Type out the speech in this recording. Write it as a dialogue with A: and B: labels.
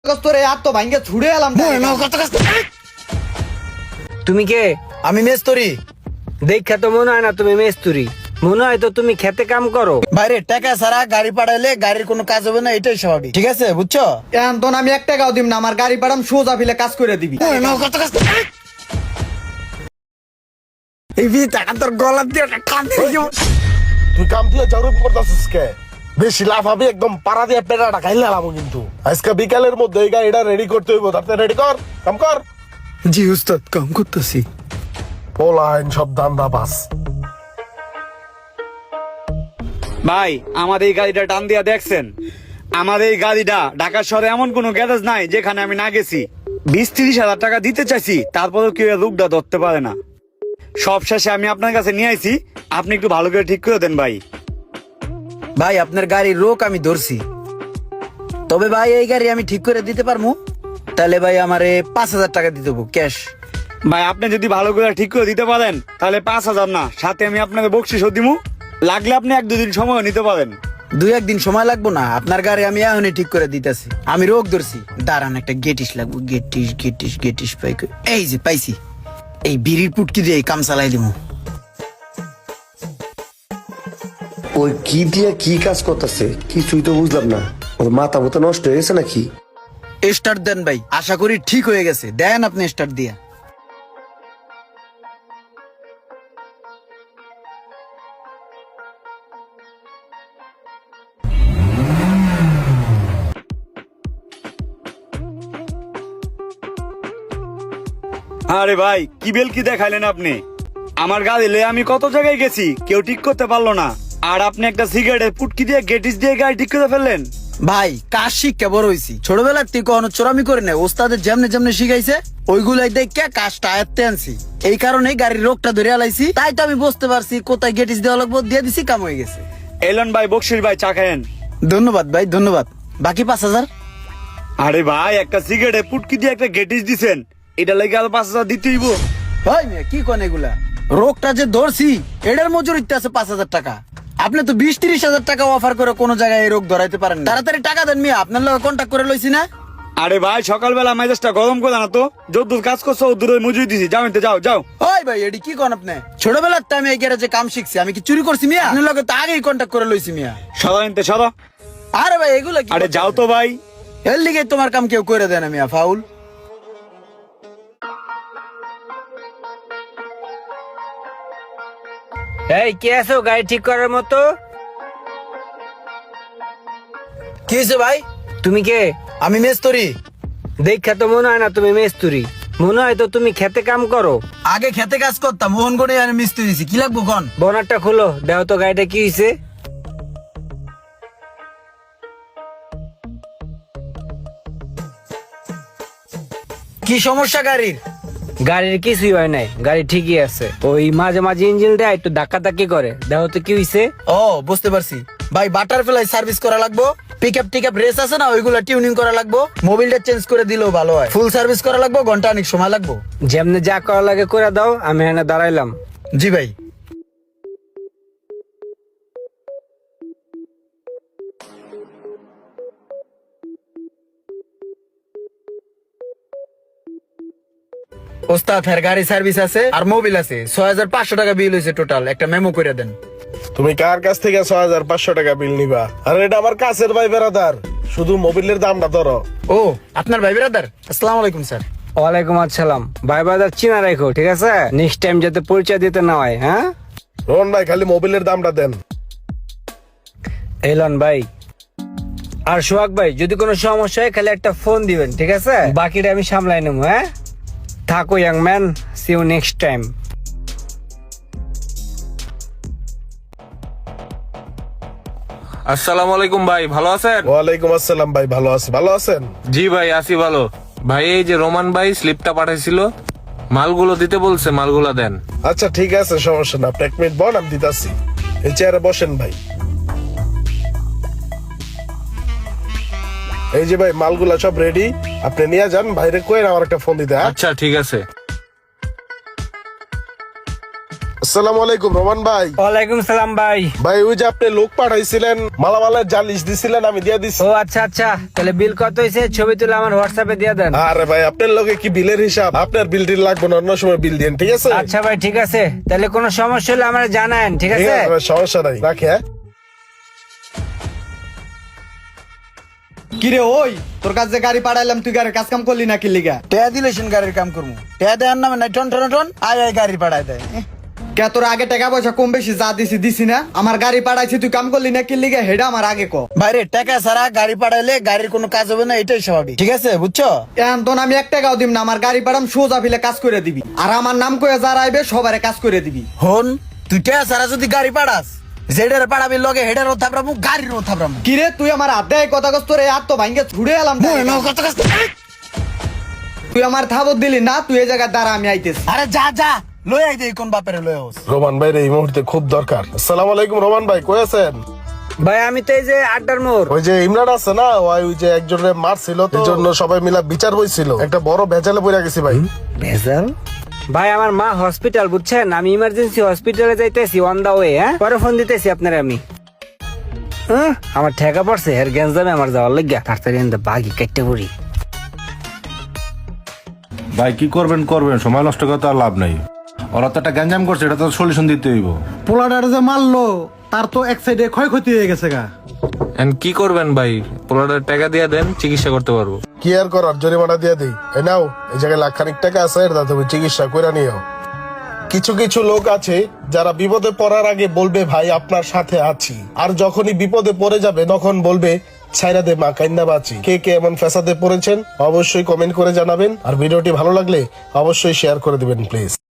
A: তোরে আর তো ভাঙ্গে ছুড়ে এলাম।
B: তুমি কে?
C: আমি মেস্তরি।
B: দেখা তো মনে হয় না তুমি মেস্তুরি, মনে হয় তো তুমি খেতে কাম করো।
C: বাইরে টাকা ছাড়া গাড়ি পাঠাইলে গাড়ির কোনো কাজ হবে না, এটাই স্বাভাবিক। ঠিক আছে, বুঝছো?
A: এখন তো আমি 1 টাকাও দিম না, আমার গাড়ি পাঠাম সোজা ফিলে কাজ করে দিবি।
C: এই বি টাকা তোর গলা দিয়ে কাঁদতে দিব।
D: তুই কাম দিয়ে জরুরি করতেছিস কে? বেশি লাভ হবে একদম পাড়া দিয়ে পেটাটা খাইলে লাভ কিন্তু। আজকে বিকালের মধ্যে এই গাড়িটা রেডি করতে হইব। তাতে রেডি কর, কাম কর।
C: জি উস্তাদ, কাম করতেছি।
D: পোলাইন সব দান্দা বাস।
E: ভাই আমাদের এই গাড়িটা টান দিয়া দেখছেন? আমাদের এই গাড়িটা ঢাকা শহরে এমন কোন গ্যারেজ নাই যেখানে আমি না গেছি। 20-30 হাজার টাকা দিতে চাইছি, তারপরেও কেউ লোকটা ধরতে পারে না। সব শেষে আমি আপনার কাছে নিয়ে আইছি, আপনি একটু ভালো করে ঠিক করে দেন ভাই।
C: ভাই আপনার গাড়ির রোক আমি ধরছি, তবে ভাই এই গাড়ি আমি ঠিক করে দিতে পারবো। তাহলে ভাই আমারে 5,000 টাকা দিতে হবো ক্যাশ।
E: ভাই আপনি যদি ভালো করে ঠিক করে দিতে পারেন তাহলে 5,000 না, সাথে আমি আপনাকে বকশিসও দিমু। লাগলে আপনি 1-2 দিন সময় নিতে পারেন।
C: 2-1 দিন সময় লাগবো না, আপনার গাড়ি আমি এখনই ঠিক করে দিতেছি। আমি রোগ ধরছি, দাঁড়ান একটা গেটিস লাগবো। গেটিস পাই কই? এই যে পাইছি। এই বিড়ির পুটকি দিয়ে এই কাম চালাই দিব।
F: ওই কি দিয়া কি কাজ করতেছে কিছুই তো বুঝলাম না। ওর মাথা মতো নষ্ট হয়ে গেছে নাকি?
C: স্টার্ট দেন ভাই, আশা করি ঠিক হয়ে গেছে। দেন আপনি স্টার্ট দিয়া।
E: আরে ভাই কি বেল কি দেখাইলেন আপনি? আমার গাড়ি লয়ে আমি কত জায়গায় গেছি, কেউ ঠিক করতে পারলো না। আর আপনি একটা সিগারেটের পুটকি দিয়ে গেটিস দিয়ে গাড়ি ঠিক করে ফেললেন।
C: ভাই কাজ শিক্ষা বড় হইছি, ছোটবেলার থেকে কখনো চোরামি করে নাই। ওস্তাদের যেমনে যেমনে শিখাইছে ওইগুলাই দেখে কাজটা আয়ত্তে আনছি। এই কারণে গাড়ির রোগটা ধরে আলাইছি। তাই তো আমি বুঝতে পারছি কোথায় গেটিস দেওয়া লাগবো, দিয়ে দিছি, কাম হয়ে গেছে।
E: এলন ভাই, বকশির ভাই, চা খায়েন।
C: ধন্যবাদ ভাই, ধন্যবাদ। বাকি 5,000?
E: আরে ভাই একটা সিগারেটের পুটকি দিয়ে একটা গেটিস দিছেন, এটা লাগে আর 5,000 দিতেই হইব।
C: ভাই মিয়া কি কোন এগুলা? রোগটা যে ধরছি এটার মজুরিতে আছে 5,000 টাকা। আপনি তো 20-30 হাজার টাকা অফার করে কোনো জায়গায় এই রোগ ধরাইতে পারেন না। তাড়াতাড়ি টাকা দেন মিয়া, আপনার লগে কন্ট্যাক্ট করে লইছি না।
E: আরে ভাই সকালবেলা মেজাজটা গরম করে না তো, যদ্দূর কাজ করছো দূরে মজুরি দিছি। যাও এতে, যাও যাও।
C: ওই ভাই এডি কি কোন আপনি? ছোটবেলার তো আমি এই গ্যারেজে কাম শিখছি, আমি কি চুরি করছি মিয়া? আপনার লগে তো আগেই কন্ট্যাক্ট করে লইছি মিয়া।
E: সদা এনতে সদা।
C: আরে ভাই এগুলা কি?
E: আরে যাও তো ভাই।
C: এর লিগে তোমার কাম কেউ করে দেয় না মিয়া, ফাউল।
B: এই কে আছো গাড়ি ঠিক করার মতো?
C: কি হয়েছে ভাই?
B: তুমি কে?
C: আমি মেস্তরি।
B: দেখা তো মনে হয় না তুমি মেস্তুরি, মনে হয় তো তুমি খেতে কাম করো।
C: আগে খেতে কাজ করতাম, মোহনগড়ে আমি মিস্ত্রি দিছি। কি লাগবো কোন?
B: বনারটা খুলো, দেখো তো গাড়িটা কি হয়েছে।
C: কি সমস্যা গাড়ির?
B: গাড়ির কিছুই হয় নাই, গাড়ি ঠিকই আছে। ওই মাঝে মাঝে ইঞ্জিন দেয় একটু ধাক্কা ধাক্কি করে, দেখো তো কি হয়েছে।
C: ও বুঝতে পারছি ভাই, বাটারফ্লাই সার্ভিস করা লাগবো। পিকআপ টিকআপ রেস আছে না, ওইগুলা টিউনিং করা লাগবো। মোবিলটা চেঞ্জ করে দিলেও ভালো হয়। ফুল সার্ভিস করা লাগবো, ঘন্টা অনেক সময় লাগবো।
B: যেমনি যা করা লাগে করে দাও, আমি এখানে দাঁড়াইলাম।
C: জি ভাই। ওস্তাদ হ্যার গাড়ি সার্ভিস আছে আর মোবিল আছে। 6,500 টাকা বিল হয়েছে টোটাল। একটা মেমো করে দেন।
D: তুমি কার কাছ থেকে 6,500 টাকা বিল নিবা? আরে এটা আমার কাছের ভাই বেড়াদার, শুধু মোবিলের দামটা ধরো।
C: ও আপনার ভাই ব্রাদার? আসসালামু আলাইকুম স্যার।
B: ওয়ালাইকুম আসসালাম। ভাই বাজার চিনা রাখো, ঠিক আছে? নেক্সট টাইম যাতে পরিচয় দিতে না হয়। হ্যাঁ
D: রোহন ভাই, খালি মোবিলের দামটা দেন।
B: এলন ভাই আর সোহাগ ভাই, যদি কোনো সমস্যা হয় খালি একটা ফোন দিবেন, ঠিক আছে? বাকিটা আমি সামলাই নেব। হ্যাঁ থাকো young man, see you next time.
G: আসসালামু আলাইকুম ভাই, ভালো আছেন?
D: ওয়ালাইকুম আসসালাম ভাই, ভালো আছি। ভালো আছেন?
G: জি ভাই আছি ভালো। ভাই এই যে রোমান ভাই স্লিপটা পাঠাইছিল, মালগুলো দিতে বলছে, মালগুলো দেন।
D: আচ্ছা ঠিক আছে, সমস্যা না। আপনি 1 মিনিট বল, আমি দিতাছি। এই চেয়ারে বসেন ভাই। এই যে ভাই মালগুলা সব রেডি, আপনি নিয়ে যান। বাইরে কই আমার একটা ফোন দিতে।
G: আচ্ছা ঠিক আছে।
D: আসসালামু আলাইকুম রোমান ভাই।
B: ওয়ালাইকুম সালাম ভাই।
D: ভাই ওই যে আপনি লোক পাঠাইছিলেন মালামালের জালিশ দিছিলেন, আমি দিয়ে দিছি।
B: ও আচ্ছা আচ্ছা, তাহলে বিল কত হয়েছে ছবি তুলে আমার হোয়াটসঅ্যাপে দিয়ে দেন।
D: আরে ভাই আপনার লগে কি বিলের হিসাব? আপনার বিল টিল লাগবে না, অন্য সময় বিল দিন, ঠিক আছে?
B: আচ্ছা ভাই ঠিক আছে, তাহলে কোনো সমস্যা হলে আমার জানান, ঠিক
D: ঠিক
B: আছে?
D: আছে ভাই, সমস্যা নাই, রাখি হ্যাঁ।
A: কিরে ওই, তোর কাছে গাড়ি পাঠাইলাম, তুই গাড়ির কাজ কাম করলি না কি লিগা?
C: টেয়া দিলেছেন গাড়ির কাম করবো, টেয়া দেওয়ার নামে নাই টন টন টন আয় আয় গাড়ি পাঠায় দেয়।
A: কে তোর আগে টাকা পয়সা কম বেশি যা দিছি না? আমার গাড়ি পাঠাইছি, তুই কাম করলি না কি লিগা? হেডা আমার আগে ক।
C: বাইরে টাকা ছাড়া গাড়ি পাঠাইলে গাড়ির কোনো কাজ হবে না, এটাই স্বাভাবিক, ঠিক আছে বুঝছো?
A: এখন তো আমি 1 টাকাও দিম না, আমার গাড়ি পাঠাম সোজা ফিলে কাজ করে দিবি, আর আমার নাম কয়ে যারা আইবে সবারে কাজ করে দিবি।
C: হন তুই টেয়া ছাড়া যদি গাড়ি পাঠাস, যেটার পাঠাবি লগে হেডারও থাপড়ামু গাড়িরও থাপড়ামু।
A: কিরে তুই আমার হাতে কথা কস, তোর এই হাত তো ভাঙ্গে ছুড়ে এলাম। তুই আমার থাবত দিলি না, তুই এই জায়গায় দাঁড়া, আমি আইতেছি।
C: আরে যা যা লই আই দে, কোন বাপের লই হোস।
D: রোমান ভাই এই মুহূর্তে খুব দরকার। আসসালামু আলাইকুম রোমান ভাই, কই আছেন?
B: ভাই আমি তো এই যে আড্ডার মোড়।
D: ওই যে ইমরান আছে না, ওই যে একজনের মারছিল, তো এই জন্য সবাই মিলা বিচার হইছিল, একটা বড় ভেজালে পড়ে গেছি ভাই।
B: ভেজাল? ভাই আমার মা হসপিটাল, বুঝছেন, আমি ইমার্জেন্সি হসপিটালে যাইতেছি, অন দা ওয়ে। হ্যাঁ পরে ফোন দিতেছি আপনারে আমি। আমার ঠেকা পড়ছে এর গ্যাঞ্জামে আমার যাওয়ার লাগিয়া, তাড়াতাড়ি বাগি কেটে পড়ি।
H: ভাই কি করবেন করবেন, সময় নষ্ট করতে আর লাভ নাই। ওরা তো একটা গ্যাঞ্জাম করছে, এটা তো সলিউশন দিতে হইব।
I: পোলাডার যে মারলো তার তো এক সাইডে ক্ষয়ক্ষতি হয়ে গেছে গা।
G: এন্ড কি করবেন ভাই, পোলাটার টাকা দিয়ে দেন, চিকিৎসা করতে পারবো।
D: কি আর করার, জরিমানা দিয়ে দিই। এই নাও, এই জায়গায় লাখখানিক টাকা আছে, এটা তুমি চিকিৎসা করে নিও। কিছু কিছু লোক আছে যারা বিপদে পড়ার আগে বলবে ভাই আপনার সাথে আছি, আর যখনই বিপদে পড়ে যাবে তখন বলবে ছাইরা দে মা কাইন্দা বাঁচি। কে কে এমন ফ্যাসাদে পড়েছেন অবশ্যই কমেন্ট করে জানাবেন, আর ভিডিওটি ভালো লাগলে অবশ্যই শেয়ার করে দিবেন প্লিজ।